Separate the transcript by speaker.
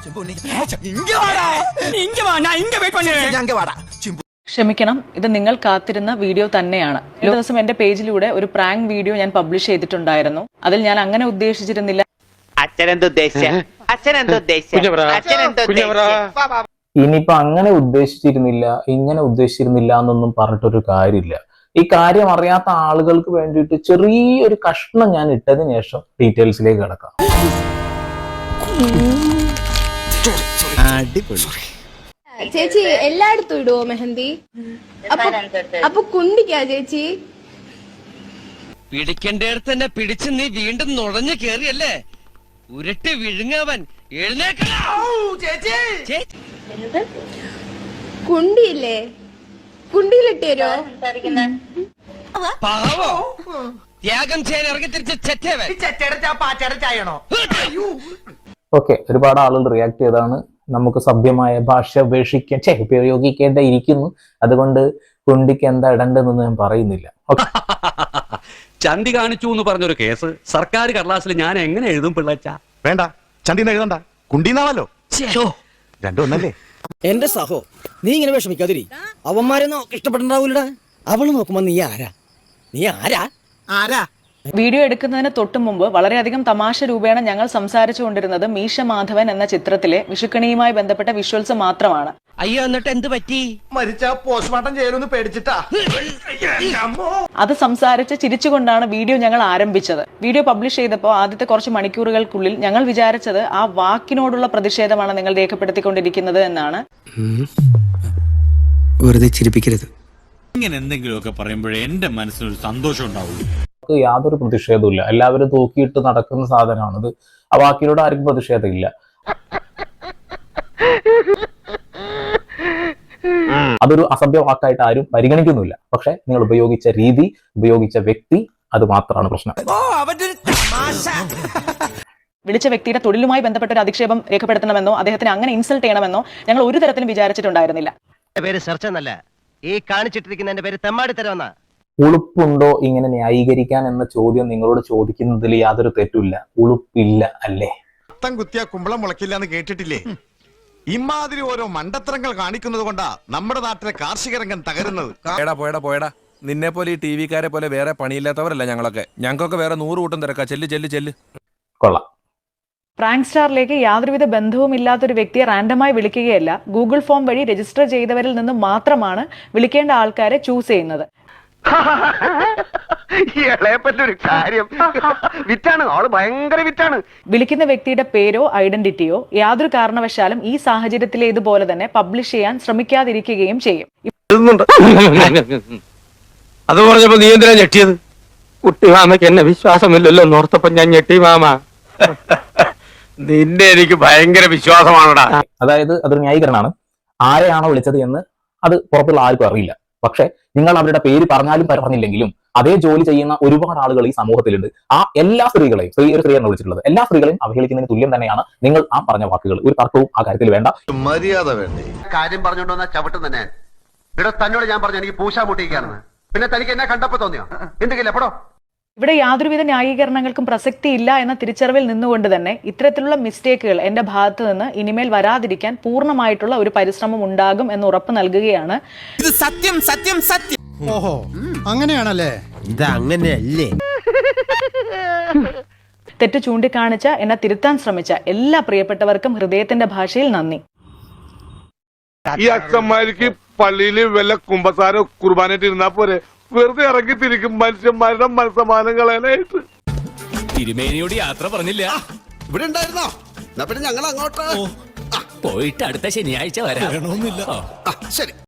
Speaker 1: ക്ഷമിക്കണം, ഇത് നിങ്ങൾ കാത്തിരുന്ന വീഡിയോ തന്നെയാണ്. ഒരു ദിവസം എന്റെ പേജിലൂടെ ഒരു പ്രാങ്ക് വീഡിയോ ഞാൻ പബ്ലിഷ് ചെയ്തിട്ടുണ്ടായിരുന്നു. അതിൽ ഞാൻ അങ്ങനെ ഉദ്ദേശിച്ചിരുന്നില്ല.
Speaker 2: ഇനിയിപ്പോ അങ്ങനെ ഉദ്ദേശിച്ചിരുന്നില്ല, ഇങ്ങനെ ഉദ്ദേശിച്ചിരുന്നില്ല എന്നൊന്നും പറഞ്ഞിട്ടൊരു കാര്യമില്ല. ഈ കാര്യം അറിയാത്ത ആളുകൾക്ക് വേണ്ടിയിട്ട് ചെറിയൊരു കഷ്ണം ഞാൻ ഇട്ടതിന് ശേഷം ഡീറ്റെയിൽസിലേക്ക് കിടക്കാം.
Speaker 3: ചേച്ചി എല്ലായിടത്തും ഇടുവോ മെഹന്തി? അപ്പൊ കുണ്ടിക്കാ ചേച്ചി?
Speaker 4: പിടിക്കേണ്ടടുത്ത് തന്നെ പിടിച്ച് നീ വീണ്ടും നുഴഞ്ഞു കേറിയല്ലേ? ഉരുട്ടി വിഴുങ്ങവൻ
Speaker 3: കുണ്ടിയില്ലേ? കുണ്ടിയിലിട്ടേരോ?
Speaker 4: പാവോ ത്യാഗം ചെയ്യാൻ ഇറങ്ങി തിരിച്ച്
Speaker 2: ഓക്കെ, ഒരുപാട് ആളുകൾ റിയാക്ട് ചെയ്താണ്. നമുക്ക് സഭ്യമായ ഭാഷ ഉപയോഗിക്കേണ്ടിയിരിക്കുന്നു. അതുകൊണ്ട് കുണ്ടിക്ക് എന്താ ഇടണ്ടെന്നൊന്നും ഞാൻ പറയുന്നില്ല.
Speaker 5: ചന്തി കാണിച്ചു എന്ന് പറഞ്ഞൊരു കേസ് സർക്കാർ കടലാസിൽ ഞാൻ എങ്ങനെ എഴുതും പിള്ളച്ച?
Speaker 6: വേണ്ട, ചന്തിന്ന് എഴുതണ്ട, കുണ്ടിന്നാണല്ലോ. രണ്ടും ഒന്നല്ലേ?
Speaker 7: എന്റെ സഹോ, നീ ഇങ്ങനെ വിഷമിക്കാതിരി. അവന്മാരൊന്നും ഇഷ്ടപ്പെട്ടുണ്ടാവൂലടാ. അവള് നോക്കുമ്പോ നീ ആരാ? നീ ആരാ? ആരാ?
Speaker 1: വീഡിയോ എടുക്കുന്നതിന് തൊട്ടു മുമ്പ് വളരെയധികം തമാശ രൂപേണ ഞങ്ങൾ സംസാരിച്ചു കൊണ്ടിരുന്നത് മീശ മാധവൻ എന്ന ചിത്രത്തിലെ വിഷുക്കണിയുമായി ബന്ധപ്പെട്ട വിഷ്വൽസ് മാത്രമാണ്.
Speaker 4: അയ്യോ, എന്നിട്ട് എന്ത് പറ്റി?
Speaker 6: മരിച്ച പോസ്റ്റ്മോർട്ടം ചെയ്യലൊന്ന് പേടിച്ചിട്ടാ.
Speaker 1: അത് സംസാരിച്ച് ചിരിച്ചുകൊണ്ടാണ് വീഡിയോ ഞങ്ങൾ ആരംഭിച്ചത്. വീഡിയോ പബ്ലിഷ് ചെയ്തപ്പോൾ ആദ്യത്തെ കുറച്ച് മണിക്കൂറുകൾക്കുള്ളിൽ ഞങ്ങൾ വിചാരിച്ചത് ആ വാക്കിനോടുള്ള പ്രതിഷേധമാണ് നിങ്ങൾ രേഖപ്പെടുത്തിക്കൊണ്ടിരിക്കുന്നത് എന്നാണ്.
Speaker 7: വെറുതെ ചിരിപ്പിക്കരുത്.
Speaker 8: ഇങ്ങനെ എന്തെങ്കിലുമൊക്കെ പറയുമ്പോഴേ എന്റെ മനസ്സിനൊരു സന്തോഷം ഉണ്ടാവുള്ളൂ.
Speaker 2: യാതൊരു പ്രതിഷേധവും. എല്ലാവരും തൂക്കിയിട്ട് നടക്കുന്ന സാധനമാണിത്. ആ വാക്കിനോട് ആർക്കും പ്രതിഷേധമില്ല. അതൊരു അസഭ്യ വാക്കായിട്ട് ആരും പരിഗണിക്കുന്നില്ല. പക്ഷെ നിങ്ങൾ ഉപയോഗിച്ച രീതി, ഉപയോഗിച്ച വ്യക്തി, അത് മാത്രമാണ് പ്രശ്നം.
Speaker 1: വിളിച്ച വ്യക്തിയുടെ തൊഴിലുമായി ബന്ധപ്പെട്ട ഒരു അധിക്ഷേപം രേഖപ്പെടുത്തണമെന്നോ അദ്ദേഹത്തിന് അങ്ങനെ ഇൻസൾട്ട് ചെയ്യണമെന്നോ ഞങ്ങൾ ഒരു തരത്തിലും വിചാരിച്ചിട്ടുണ്ടായിരുന്നില്ല.
Speaker 4: പേര് സെർച്ച് എന്നല്ല, ഈ കാണിച്ചിട്ടിരിക്കുന്ന എന്റെ പേര് തെമ്മാടിത്തരമെന്നാ.
Speaker 2: ഉളുപ്പുണ്ടോ ഇങ്ങനെ ന്യായീകരിക്കാൻ എന്ന ചോദ്യം നിങ്ങളോട് ചോദിക്കുന്നതിൽ യാതൊരു തെറ്റുമില്ല. ഉളുപ്പില്ല അല്ലേ?
Speaker 6: അത്തം കുത്തിയ കുമ്പളം മുളക്കില്ല എന്ന് കേട്ടിട്ടില്ലേ? ഇമാതിരി ഓരോ മണ്ടത്തരങ്ങൾ കാണിക്കുന്നത് കൊണ്ടാ നമ്മുടെ നാട്ടിലെ കാർഷിക രംഗം തകരുന്നത്.
Speaker 9: പോയടാ നിന്നെ പോലെ ഈ ടി വിക്കാരെ പോലെ വേറെ പണിയില്ലാത്തവരല്ല ഞങ്ങളൊക്കെ. ഞങ്ങൾക്കൊക്കെ വേറെ 100 കൂട്ടം തിരക്കാ. ചെല്ല്.
Speaker 2: കൊള്ളാം.
Speaker 1: പ്രാങ്ക് സ്റ്റാറിലേക്ക് യാതൊരുവിധ ബന്ധവും ഇല്ലാത്തൊരു വ്യക്തിയെ റാൻഡമായി വിളിക്കുകയല്ല, ഗൂഗിൾ ഫോം വഴി രജിസ്റ്റർ ചെയ്തവരിൽ നിന്ന് മാത്രമാണ് വിളിക്കേണ്ട ആൾക്കാരെ ചൂസ് ചെയ്യുന്നത്. വിളിക്കുന്ന വ്യക്തിയുടെ പേരോ ഐഡന്റിറ്റിയോ യാതൊരു കാരണവശാലും ഈ സാഹചര്യത്തിലേതുപോലെ തന്നെ പബ്ലിഷ് ചെയ്യാൻ ശ്രമിക്കാതിരിക്കുകയും ചെയ്യും.
Speaker 4: അത് പറഞ്ഞപ്പോ നീ എന്തിനാ ഞെട്ടിയത്? കുട്ടി മാമയ്ക്ക് എന്നെ വിശ്വാസമില്ലല്ലോ എന്നോർത്തപ്പോ ഞാൻ ഞെട്ടി മാമ. നിന്നെ എനിക്ക് ഭയങ്കര വിശ്വാസമാണടാ.
Speaker 2: അതായത് അതൊരു ന്യായീകരണമാണ്. ആരെയാണോ വിളിച്ചത് എന്ന് അത് പുറത്തുള്ള ആർക്കും അറിയില്ല. പക്ഷെ നിങ്ങൾ അവരുടെ പേര് പറഞ്ഞാലും പറഞ്ഞില്ലെങ്കിലും അതേ ജോലി ചെയ്യുന്ന ഒരുപാട് ആളുകൾ ഈ സമൂഹത്തിലുണ്ട്. ആ എല്ലാ സ്ത്രീകളെയും, ഒരു സ്ത്രീയാണ് വിളിച്ചിട്ടുള്ളത്, എല്ലാ സ്ത്രീകളെയും അവഹേളിക്കുന്നതിന് തുല്യം തന്നെയാണ് നിങ്ങൾ ആ പറഞ്ഞ വാക്കുകൾ. ഒരു തർക്കവും ആ കാര്യത്തിൽ വേണ്ട.
Speaker 6: മര്യാദ വേണ്ടേ?
Speaker 10: കാര്യം പറഞ്ഞുകൊണ്ടുവന്ന ചവിട്ടും തന്നെ. ഇവിടെ തന്നോട് ഞാൻ പറഞ്ഞു എനിക്ക് പൂശാ മുട്ടിക്കാണെന്ന്. പിന്നെ തനിക്ക് എന്നെ കണ്ടപ്പോ തോന്നിയോ? എന്തെങ്കിലും എപ്പോഴോ?
Speaker 1: ഇവിടെ യാതൊരുവിധ ന്യായീകരണങ്ങൾക്കും പ്രസക്തിയില്ല എന്ന തിരിച്ചറിവിൽ നിന്നുകൊണ്ട് തന്നെ ഇത്തരത്തിലുള്ള മിസ്റ്റേക്കുകൾ എന്റെ ഭാഗത്ത് നിന്ന് ഇനിമേൽ വരാതിരിക്കാൻ പൂർണ്ണമായിട്ടുള്ള ഒരു പരിശ്രമം ഉണ്ടാകും എന്ന് ഉറപ്പ് നൽകുകയാണ്.
Speaker 7: ഇത് സത്യം. ഓഹോ, അങ്ങനെയാണല്ലേ?
Speaker 4: ഇത് അങ്ങനെയല്ലേ?
Speaker 1: തെറ്റ് ചൂണ്ടിക്കാണിച്ച എന്നെ തിരുത്താൻ ശ്രമിച്ച എല്ലാ പ്രിയപ്പെട്ടവർക്കും ഹൃദയത്തിന്റെ ഭാഷയിൽ നന്ദി.
Speaker 11: ഈ അച്ഛന്മാർക്ക് പള്ളിയിൽ വല്ല കുമ്പസാരോ കുർബാനായിട്ട് ഇരുന്നാ പോരെ? വെറുതെ ഇറങ്ങി തിരിക്കും മനുഷ്യന്മാരുടെ മനസ്സമാനം കളയാനായിട്ട്.
Speaker 8: തിരുമേനിയോട് യാത്ര പറഞ്ഞില്ല.
Speaker 7: ഇവിടെ ഉണ്ടായിരുന്നോ? പിന്നെ ഞങ്ങൾ അങ്ങോട്ട്
Speaker 8: പോയിട്ട് അടുത്ത ശനിയാഴ്ച വരാം.
Speaker 7: ശരി.